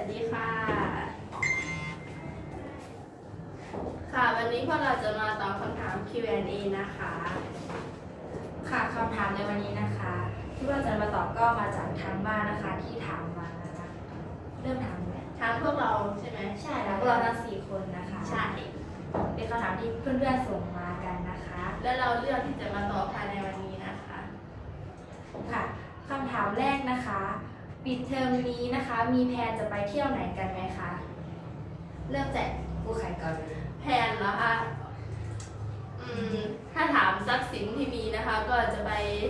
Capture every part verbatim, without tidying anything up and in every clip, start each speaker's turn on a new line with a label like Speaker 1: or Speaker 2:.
Speaker 1: ดีค่ะค่ะวันนี้พวกเราจะมาตอบคำถาม คิว แอนด์ เอ นะคะ
Speaker 2: ค่ะคำถามในวันนี้นะคะที่เราจะมาตอบก็มาจากทางบ้านนะคะที่ถามมานะคะเริ่มถามไหม
Speaker 1: ถามพวกเราใช่ไหม
Speaker 2: ใช่แล้วพวกเราทั้งสี่คนนะคะ
Speaker 1: ใช่
Speaker 2: เป็นคำถามที่เพื่อนๆส่งมากันนะคะ
Speaker 1: และเราเลือกที่จะมาตอบภายในวันนี้นะคะ
Speaker 2: ค่ะคำถามแรกนะคะปิดเทอมนี้นะคะมีแพลนจะไปเที่ยวไหนกันไหมคะเริ่มจากผู้ไข่ก่อนเลย
Speaker 1: แพลนแล้วค่ะอืมถ้าถามทรัพย์สินที่มีนะคะ ก็จะไป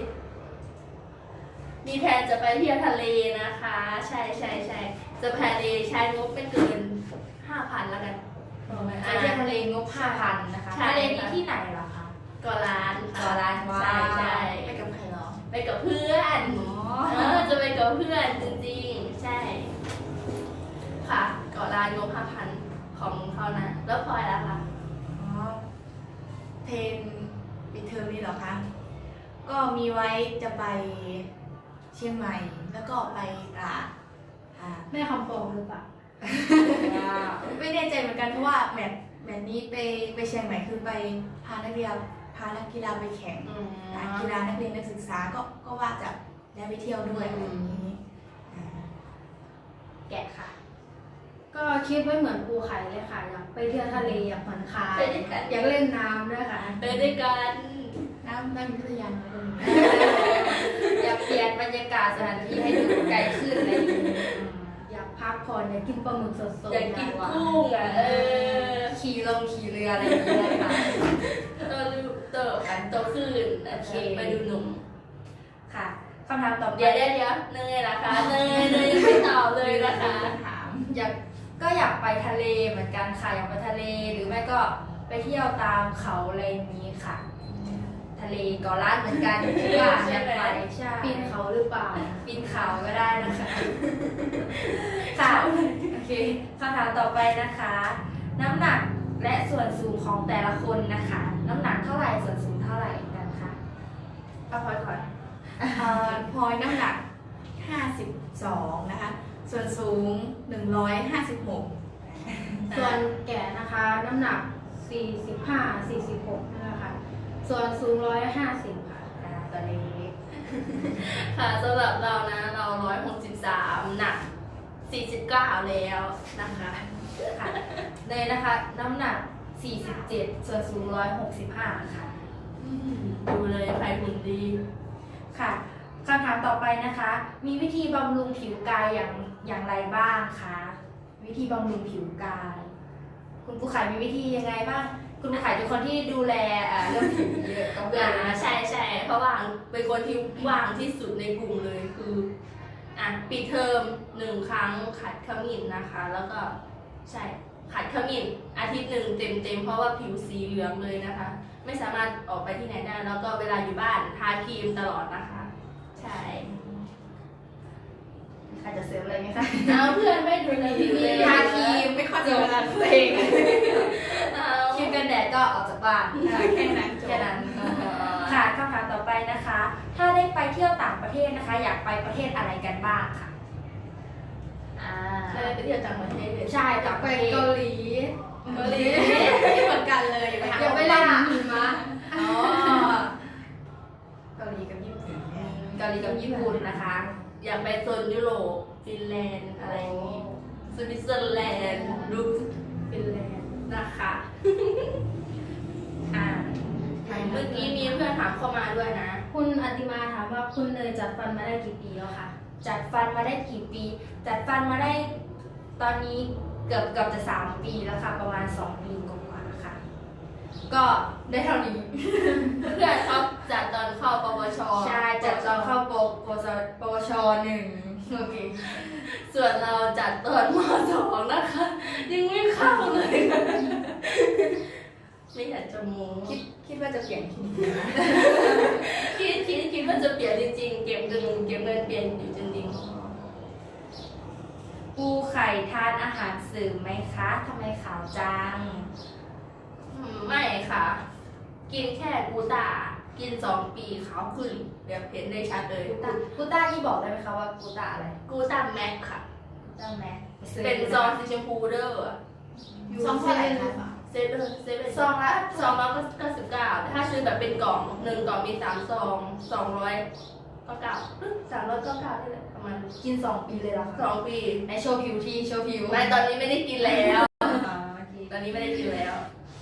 Speaker 1: มีแพลนจะไปเที่ยวทะเลนะคะ ใช่ใช่ใช่จะแพลนเใช้งบไม่เกินห้าพันแล้วกัน
Speaker 2: ไปเที่ยวทะเลงบห้าพันนะคะทะเลนี้ที่ไหนเหรอคะ
Speaker 1: เกาะล้าน
Speaker 2: เกาะล้าน
Speaker 1: ใช่ใช่
Speaker 2: ไปกับใครเหรอ
Speaker 1: ไปกับเพื่อนเออจะไปกับเพื่อนจริงๆใช่ค่ะเกาะล้านงบห้าพันของเขานะแล้วพลอยล่ะคะ
Speaker 3: อ๋อเพนปิดเทอมนี้เหรอคะก็มีไว้จะไปเชียงใหม่แล้วก็ไปตราดค่ะ
Speaker 1: แม่คำโปงหรือเปล่า
Speaker 3: ไม่แน่ใจเหมือนกันเพราะว่าแมตช์แมตช์นี้ไปไปเชียงใหม่คือไปพานักเรียนพานักกีฬาไปแข่งกีฬานักเรียนนักศึกษาก็ก็ว่าจะได้ไปเที่ยวด้วยอะไรอย่างนี้
Speaker 1: แกะค่ะ
Speaker 4: ก็คิดไว้เหมือนปูไข่เลยค่ะอยากไปเที่ยวทะเลอยากผ่อนคลายอยากเล่นน้ำด้วยค่ะ
Speaker 1: ไปด้วยกัน
Speaker 3: น้ำน้ำมีพัทยาไหมคนนี้
Speaker 2: อยากเปลี่ยนบรรยากาศสถานที่ให้ดูไกลขึ้นอะไรอย่างนี้
Speaker 4: อยากพักผ่อนอยากกินปลาหมึกสดๆ
Speaker 1: อยากกินกุ้งอ่ะเออ
Speaker 2: ขี่ลงขี่เรืออะไรอย่างเงี้ยค่ะ
Speaker 1: โตดูโตอันโตขึ้นโอเคไปดูหนุ่ม
Speaker 2: ค่ะคำถามต่อไป
Speaker 1: เดี๋ยวเดี๋ยวเดี๋ยวเนยล่ะคะเนยเนยยังไม่ตอบเลยนะคะ
Speaker 2: ถามอยากก็อยากไปทะเลเหมือนกันค่ะอยากไปทะเลหรือไม่ก็ไปเที่ยวตามเขาอะไรนี้ค่ะทะเลเกาะล้านเหมือนกันที่ว่าอยากไปใช่
Speaker 4: ปีนเขาหรือเปล่า
Speaker 2: ปีนเขาก็ได้นะคะค่ะโอเคคำถามต่อไปนะคะ น้ำหนักและส่วนสูงของแต่ละคนนะคะ น้ำหนักเท่าไหร่ส่วนสูงเท่าไหร่กันคะ
Speaker 1: เอาพลอยก่อน
Speaker 3: พลอยน้ำหนักห้าสิบสองนะคะส่วนสูงหนึ่งร้อยห้าสิบหก
Speaker 4: ส่วนแก่นะคะน้ำหนักสี่สิบห้า สี่สิบหกนะคะส่วนสูงหนึ่งร้อยห้าสิบค่ะ
Speaker 2: ตัวเล็ก
Speaker 1: ค่ะสำหรับเรานะเราหนึ่งร้อยหกสิบสามหนักสี่สิบเก้าแล้วนะคะ
Speaker 2: ค่ะเลยนะคะน้ำหนักสี่สิบเจ็ดส่วนสูงหนึ่งร้อยหกสิบห้าค่ะ
Speaker 1: ดูเลยใครหุ่นดี
Speaker 2: ค่ะคำถามต่อไปนะคะ มีวิธีบำรุงผิวกายอย่างอย่างไรบ้างคะวิธีบำรุงผิวกาย คุณผู้ขายมีวิธียังไงบ้างคุณผู้ขายเป็นคนที่ดูแลเรื่องผิวเยอะก็
Speaker 1: อ่าใช่ใช่เพราะว่าเป็นคนที่ว่างที่สุดในกลุ่มเลยคืออ่ะปิดเทอมหนึ่งครั้งขัดขมิ้นนะคะ แล้วก็ใช่ขัดขมิ้นอาทิตย์หนึ่งเต็มเต็มเพราะว่าผิวสีเหลืองเลยนะคะ ไม่สามารถออกไปที่ไหนได้แล้วก็เวลาอยู่บ้านทาครีมตลอดนะคะใช่
Speaker 2: ใครจะเสริมอะไรไหมคะ
Speaker 1: เอาเพื่อนไม่ดูเลย
Speaker 2: ทาครีมไม่ค่อยจะเวลาตัวเองครีมกันแดดก็ออกจากบ้าน
Speaker 3: แค่นั้น
Speaker 2: แค่นั้นค่ะคำถามต่อไปนะคะ ถ้าได้ไปเที่ยวต่างประเทศนะคะ อยากไปประเทศอะไรกันบ้างค่ะ
Speaker 1: อ่าได้ไปเที่ยวต่างประเทศ
Speaker 2: ใช่อยากไปเกาหลี
Speaker 1: เกาหลี
Speaker 3: เหมือนกันเลย
Speaker 4: อยากไปเล่นหิมะ
Speaker 2: อ๋อเกาหลีกับญี่ปุ่นเกาหลีกับญี่ปุ่นนะคะ
Speaker 1: อยากไปโซนยุโรปฟินแลนด์อะไรอย่างนี้สวิตเซอร์แลนด์ดูฟินแลนด์นะคะอ่าเมื่อกี้มีเพื่อนถามเข้ามาด้วยนะ
Speaker 4: คุณอติมาถามว่าคุณเนยจัดฟันมาได้กี่ปีแล้วคะ
Speaker 2: จัดฟันมาได้กี่ปีจัดฟันมาได้ตอนนี้เกือบเกือบจะสามปีแล้วค่ะประมาณสองปีกว่าๆค่ะก็ได้เท่านี้
Speaker 1: เพื่อนเขาจัดตอนเข้าปวช
Speaker 2: ใช่จัดตอนเข้าปวชปวชหนึ่งโอเค
Speaker 1: ส่วนเราจัดตอนมสองนะคะยังไม่เข้าเลยไม่อยากจะโม้
Speaker 2: คิดคิดว่าจะเปลี่ยนที
Speaker 1: คิดคิดคิดว่าจะเปลี่ยนจริงๆเก็บเงินเก็บเงินเปลี่ยนอยู่จริง
Speaker 2: ๆปูไข่ทานอาหารเสริมไหมคะทำไมขาวจัง
Speaker 1: ไม่ค่ะกินแค่กูต้ากินสองปีขาวขึ้นแบบเห็นได้ชัดเลย
Speaker 2: กูต้ากูต้าที่บอกได้ไหมคะว่ากูต้าอะไร
Speaker 1: กูต้าแม็กค่ะ
Speaker 2: กได้ไหม
Speaker 1: เป็นซองสีชมพูเด้อ
Speaker 3: ซองเท่าไหร่คะ
Speaker 1: เซเว่นเซเว่น
Speaker 2: ซองละ
Speaker 1: ซองละเก้าสิบเก้าถ้าซื้อแบบเป็นกล่องหนึ่งกล่องมีสามซองสองร้อยก็เก้าสามร้อยก็เก้าได้เลยประมาณ
Speaker 2: กินสองปีเลยเหรอ
Speaker 1: ส
Speaker 2: คะ
Speaker 1: องปี
Speaker 2: ในโชว์ผิวที่โชว์ผิว
Speaker 1: ไม่ตอนนี้ไม่ได้กินแล้ว
Speaker 2: อ๋อโอเค
Speaker 1: ตอนนี้ไม่ได้กินแล้ว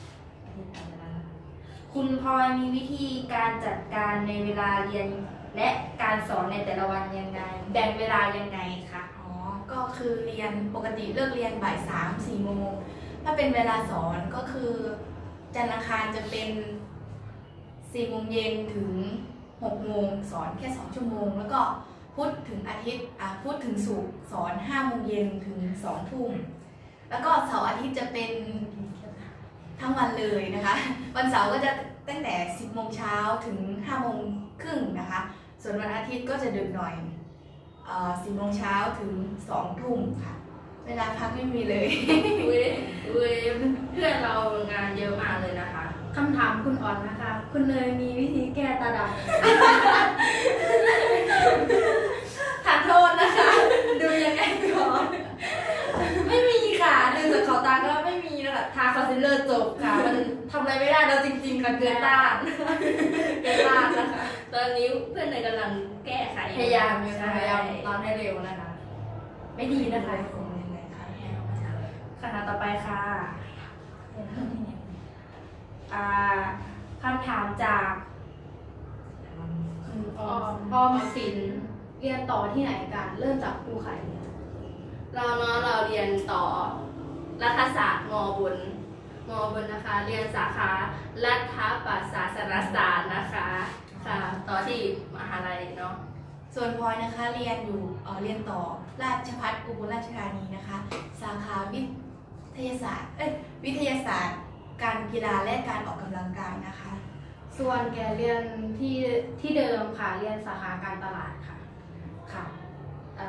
Speaker 2: คุณพลอยมีวิธีการจัดการในเวลาเรียน และการสอนในแต่ละวันยังไง แบ่งเวลายังไงคะ
Speaker 3: อ๋อ ก็คือเรียนปกติเลิกเรียนบ่ายสามสี่โมง ถ้าเป็นเวลาสอนก็คือจันทร์อังคารจะเป็นสี่โมงเย็นถึงหกโมงสอนแค่สองชั่วโมง แล้วก็พุธถึงอาทิตย์อ่ะพุธถึงศุกร์สอนห้าโมงเย็นถึงสองทุ่ม แล้วก็เสาร์อาทิตย์จะเป็นทั้งวันเลยนะคะ วันเสาร์ก็จะตั้งแต่สิบโมงเช้าถึงห้าโมงครึ่งนะคะ ส่วนวันอาทิตย์ก็จะดึกหน่อยสิบโมงเช้าถึงสองทุ่มค่ะ เวลาพักไม่มีเลย
Speaker 1: อุ้ยอุ้ยเพื่อนเรางานเยอะมากเลยนะคะ
Speaker 4: คำถามคุณอ่อนนะคะ คุณเนยมีวิธีแก้ตาด
Speaker 2: ทานโทษนะคะ ดูยังไงก่อน ไม่มีค่ะดูจากขอบตาก็ไม่มีนะคะทาคอนซีลเลอร์จบค่ะ มันทำอะไรไม่ได้แล้วจริงๆค่ะเกินต้านเกินต้านนะคะ
Speaker 1: ตอนนี้เพื่อนเนยกำลังแก้ไข
Speaker 2: พยายามอยู่
Speaker 1: ใช่
Speaker 2: ค่ะพยายามตอนให้เร็วนะคะ ไม่ดีนะคะ
Speaker 3: คงยังไงคะ
Speaker 2: คำถามต่อไปค่ะอ่าคำถามจาก
Speaker 4: ำคุณออมออมสินเรียนต่อที่ไหนกันเริ่มจากครูไข่
Speaker 1: เราเนาะเราเรียนต่อรัฐศาสตร์มบุญมบุญนะคะ เรียนสาขารัฐประศาสนศาสตร์นะคะค่ะต่อที่มหาลัยเนาะ
Speaker 3: ส่วนพลอยนะคะเรียนอยู่เอ่อเรียนต่อราชภัฏอุบลราชธานีนะคะ สาขาวิทยาศาสตร์เอ้ยวิทยาศาสตร์ การกีฬาและการออกกำลังกายนะคะ
Speaker 4: ส่วนแกเรียนที่ที่เดิมค่ะเรียนสาขาการตลาดค่ะ
Speaker 2: ค่ะอ่า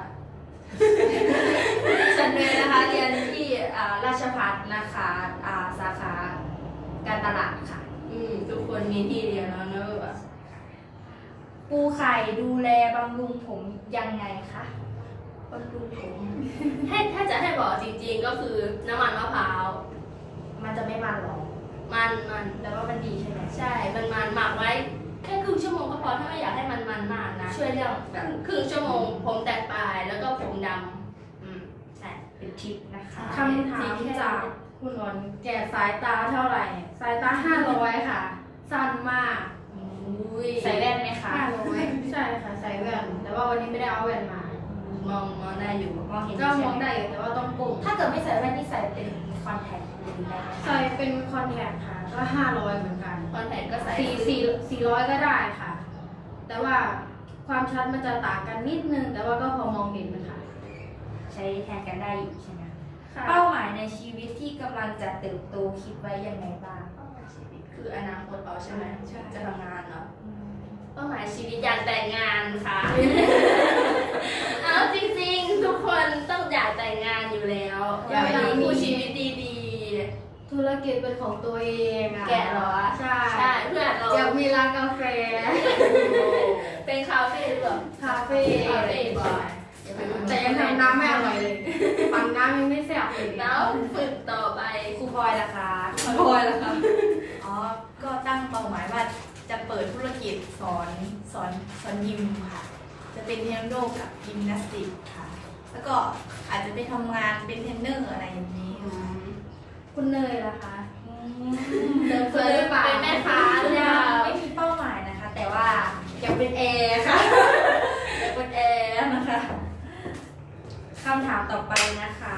Speaker 2: ฉันเลยนะคะเรียนที่อ่าราชภัฏนะคะอ่าสาขาการตลาดค่ะ
Speaker 1: อืมทุกคนมีที่เรียนแล้วเนอะ
Speaker 2: ปูไข่ดูแลบำรุงผมยังไงคะ
Speaker 1: บำรุงผม ให้ถ้าจะให้บอกจริงๆก็คือน้ำมันมะพร้าว
Speaker 2: มันจะไม่มันหรอก
Speaker 1: มันมัน
Speaker 2: แต่ว่ามันดีใช่ไหม
Speaker 1: ใช่ มันมันหมักไว้แค่ครึ่งชั่วโมงก็พอถ้าไม่อยากให้มันมันมากนะ
Speaker 2: ช่วยเรื่อง
Speaker 1: ค
Speaker 2: แบบ
Speaker 1: รึ่งครึ่งชั่วโมงผมแตกปลายแล้วก็ผมดำอืมใช่
Speaker 2: เป็นทิปนะคะ
Speaker 4: คำถามจากคุณอ่อนแก่สายตาเท่าไหร่ สายตาห้าร้อยค่ะ สั้นมาก
Speaker 1: อุ้ย
Speaker 2: ใส่แว่นไหมคะ
Speaker 4: ห้าร้อยใช่ค่ะใส่แว่น แต่ว่าวันนี้ไม่ได้เอาแว่นมา
Speaker 1: มองมองได้อยู่
Speaker 2: มองเห็น
Speaker 4: ก็
Speaker 2: ใช่
Speaker 4: มอง
Speaker 2: ไหม
Speaker 4: ได้อยู่แต่ว่าต้องก้ม
Speaker 2: ถ้าเกิดไม่ใส่แว่นนี่ใส่เป็นคอนแทคเลนส์ได้ไหม
Speaker 4: ใส่เป็นคอนแทคค่ะ ก็ห้าร้อยเหมือนกัน
Speaker 1: คอนแทคก็ใส่
Speaker 4: สี่สี่สี่ร้อยก็ได้ค่ะ แต่ว่าความชัดมันจะต่างกันนิดนึง แต่ว่าก็พอมองเห็นนะคะ
Speaker 2: ใช้แทนกันได้อยู่ใช่ไหม
Speaker 1: ค่ะ
Speaker 2: เป้าหมายในชีวิตที่กำลังจะเติบโตคิดไว้ยังไงบ้าง
Speaker 1: ชีวิตคืออนาคตเราใช่ไหม
Speaker 3: ใช่
Speaker 1: จะทำงานเนาะเป้าหมายชีวิตอยากแต่งงานค่ะ เอาจริงๆ ทุกคนต้องอยากแต่งงานอยู่แล้ว อยากมีคู่ชีวิตดี
Speaker 4: ธุรกิจเป็นของตัวเองอะ
Speaker 1: แกะเหรอ
Speaker 4: ใช่
Speaker 1: ๆ ใช่เพื่อนเรา
Speaker 4: อยากมีร้านกาแฟ
Speaker 1: เป็นคาเฟ่หรือเปล่า
Speaker 4: คาเฟ่
Speaker 1: คาเฟ่บ่อย
Speaker 4: แต่ยังทำน้ำไม่อร่อยเลย ปั่นน้ำยังไม่แซ่บเลย
Speaker 1: แล้วฝึกต่อไป
Speaker 2: ครูพลอยล่ะคะครูพลอยล่ะคะ
Speaker 3: อ๋อ ก็ตั้งเป้าหมายว่าจะเปิดธุรกิจสอนสอนสอนยิมค่ะ จะเป็นเทควันโดกับยิมนาสติกค่ะ แล้วก็อาจจะไปทำงานเป็นเทรนเนอร์อะไรอย่างนี้ค่ะ
Speaker 4: คุณเนยล่ะคะ
Speaker 2: เดิน
Speaker 1: เค
Speaker 2: เฟิ
Speaker 1: ย
Speaker 2: ร์หรือเปล่า
Speaker 1: เป็นแม่ค้าหรือเป
Speaker 2: ยั
Speaker 1: ล่าง
Speaker 2: ไม่มีเป้าหมายนะคะ แต่ว่าอยากเป็นแอร์ค่ะ อยากเป็นแอร์นะคะคำถามต่อไปนะคะ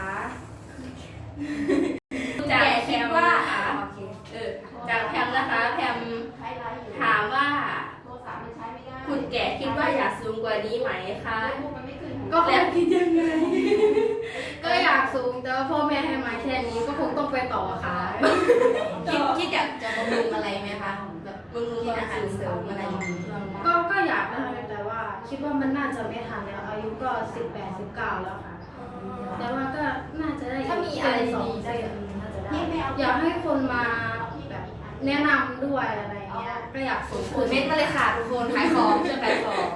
Speaker 2: จากคิดว่าโอเค
Speaker 1: เออจากแพมนะคะ แพมถามว่า คุณแก่คิดว่าอยากสูงกว่านี้ไหมคะ
Speaker 4: ก็แล้วคิดยังไง ก็อยากสูงแต่ว่าพ่อแม่ให้มาแค่นี้ก็คงต้องไปต่อค่ะ
Speaker 3: คิดคิดอยากจะบำรุงอะไรไหมคะแบบ
Speaker 1: มึงรู้
Speaker 3: กิน
Speaker 1: ว่า
Speaker 3: อาหารเสริมอะไรอย่างนี้
Speaker 4: ก็ก็อยากนะคะแต่ว่าคิดว่ามันน่าจะไม่ทันแล้วอายุก็สิบแปดสิบเก้าแล้วค่ะ แต่ว่าก็น่าจะได้
Speaker 2: ถ้ามีอะไร
Speaker 4: สอง
Speaker 2: ดีๆ
Speaker 4: ได้
Speaker 2: ได้น่าจะได้
Speaker 4: อยากให้คนมาแบบแนะนำด้วยอะไรเงี้ยก็อยากสูง
Speaker 2: ถือเม็ดมาเลยค่ะทุกคนขายของช่วยขายของ
Speaker 1: ต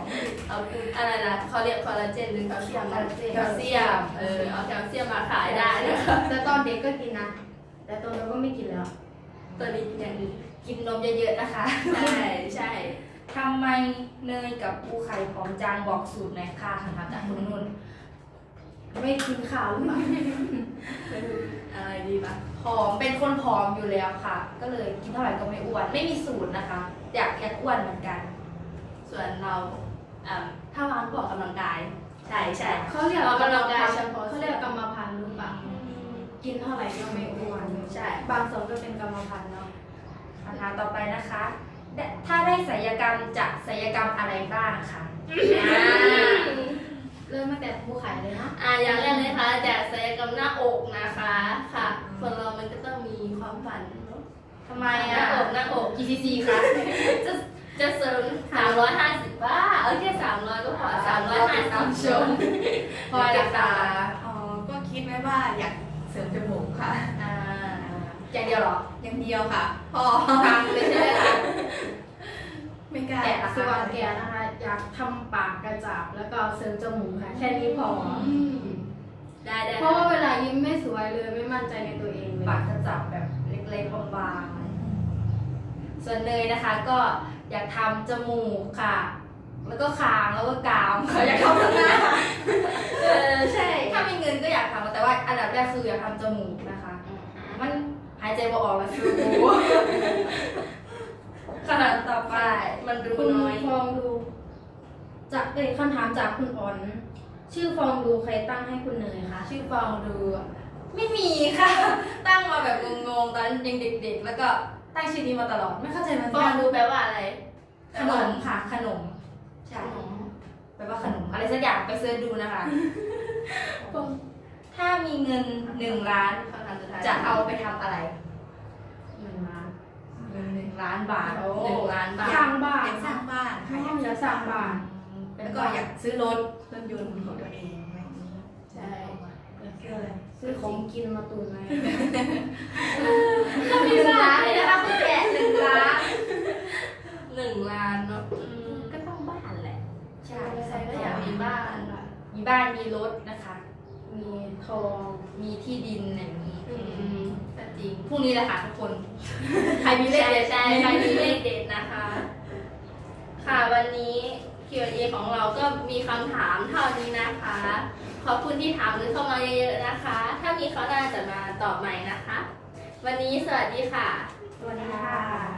Speaker 1: เอาอะไรนะเขาเรียกคอลลาเจนหรือแคลเซียมนะแคลเซียมเออเอาแคลเซียมมาขายได้นะคะ
Speaker 4: แต่ตอนเด็กก็กินนะ แต่ตอนนี้ก็ไม่กินแล้ว
Speaker 1: ตัวนี้กินอย่างอื่น
Speaker 2: กินนมเยอะๆนะคะ
Speaker 1: ใช่ใช่
Speaker 2: ทำไมเนยกับปูไข่ผอมจังบอกสูตรหน่อยค่ะคำถามจากคุณนุ่น
Speaker 4: ไม่กินข้าวหรือเปล่า
Speaker 1: อะไรดีปะ
Speaker 2: ผอมเป็นคนผอมอยู่แล้วค่ะ ก็เลยกินเท่าไหร่ก็ไม่อ้วน ไม่มีสูตรนะคะ อยากอยากอ้วนเหมือนกัน
Speaker 1: ส่วนเราอ่าถ้าวางก็ออกกำลังกาย ใช่ใช่
Speaker 4: เขาเรียก
Speaker 1: ออกกำลังกายเฉพาะ
Speaker 4: เขาเรียกกรรมพันธุ์หรือเปล่า กินเท่าไหร่ก็ไม่อ้วน
Speaker 1: ใช่
Speaker 4: บางส่วนก็เป็นกรรมพันธุ์เนาะ
Speaker 2: คำถามต่อไปนะคะได้ถ้าได้ศัลยกรรมจะศัลยกรรมอะไรบ้างคะ
Speaker 1: อ่า
Speaker 4: เริ่มตั้งแต่ภูไข่เลยเนาะ
Speaker 1: อ่าอย่างแรกเลยค่ะจากศัลยกรรมหน้าอกนะคะค่ะคนเรามันก็ต้องมีความฝันเนอะ
Speaker 2: ทำไม
Speaker 1: หน้า
Speaker 2: อ่ะ
Speaker 1: อกหน้าอก
Speaker 2: กี่ซีซีคะ
Speaker 1: จะจะเสริมสามร้อยห้าสิบบ้าเอาแค่สามร้อยก็พอสามร้อยห้าสิบชม
Speaker 2: พอจะตา
Speaker 3: อ๋อ ก็คิดไว้ว่าอยากเสริมจมูกค่ะ
Speaker 2: อ่าอย่างเดียวเหรอ
Speaker 3: อย่างเดียวค่ะ พอ
Speaker 2: ทำเลยใช่ไหมคะ
Speaker 3: ไม่กล้า
Speaker 2: แกะละ
Speaker 4: ส่วนแกนะคะ อยากทำปากกระจับแล้วก็เสริมจมูกค่ะ แค่นี้พอ
Speaker 1: ได้ได้
Speaker 4: เพราะว่าเวลายิ้มไม่สวยเลยไม่มั่นใจในตัวเองเลย
Speaker 2: ปากกระจับแบบเล็กๆบางๆส่วนเนยนะคะก็อยากทำจมูกค่ะ แล้วก็คางแล้วก็กรามค่ะอยากทำทั้งหน้า
Speaker 1: เออใช่
Speaker 2: ถ้ามีเงินก็อยากทำแต่ว่าอันดับแรกคืออยากทำจมูกนะคะ มันหายใจบ่ออกแล้วคือกูขนาดต่อไป
Speaker 1: ใช่มันดู
Speaker 4: คุณ
Speaker 1: น้อย
Speaker 4: ฟองดูจากเป็นคำถามจากคุณอ่อน ชื่อฟองดูใครตั้งให้คุณเนยคะ
Speaker 2: ชื่อฟองดูไม่มีค่ะ ตั้งมาแบบงงๆตอนยังเด็กๆ แล้วก็ตั้งชื่อนี้มาตลอดไม่เข้าใจมัน
Speaker 1: ฟองดูแปลว่าอะไร
Speaker 2: ขนมค่ะขนมใช่แปลว่าขนมอะไรสักอย่างไปเสิร์ชดูนะคะ ถ้ามีเงินหนึ่งล้าน
Speaker 1: คำถามสุดท้าย
Speaker 2: จะเอาไปทำอะไร
Speaker 4: หนึ่งล้าน
Speaker 2: หนึ่งล้านบาท
Speaker 1: หนึ่งล้านบา
Speaker 4: ส
Speaker 1: ท
Speaker 4: ร้างบ้า
Speaker 3: อน ยากสร้างบ้าน
Speaker 4: อ๋
Speaker 3: ค่ะ
Speaker 4: ออยากสร้างบ้าน
Speaker 3: แล้วก็อยากซื้อรถรถยนต์ของตัวเองอะไรอย่างนี้
Speaker 1: ใช่
Speaker 3: อยากซื้ออะไร
Speaker 4: ซื้อของกินมาตุนไว้
Speaker 2: หนึ่งล้านเลยนะคะคุณแกะหนึ่งล้าน
Speaker 1: หนึ่งล้านเนาะอืมก็ต้องบ้านแหละ
Speaker 2: ใช่
Speaker 1: ใครก็อยากมีบ้าน
Speaker 2: มีบ้านมีรถนะคะ
Speaker 4: มีทอง
Speaker 2: มีที่ดินอย่างนี้
Speaker 1: อืมก็จริง
Speaker 2: พรุ่งนี้แหละค่ะทุกคน ใครมีเลข
Speaker 1: ใช่
Speaker 2: เด็ด
Speaker 1: ใช่ใครมีเลขเด็ดนะคะ ค่ะวันนี้ คิว แอนด์ เอ ของเราก็มีคำถามเท่านี้นะคะ ขอบคุณที่ถามเข้ามาเยอะๆนะคะ ถ้ามีเขาวหน่าจะมาตอบใหม่นะคะ วันนี้สวัสดีค่ะ
Speaker 2: สวัสดีค่ะ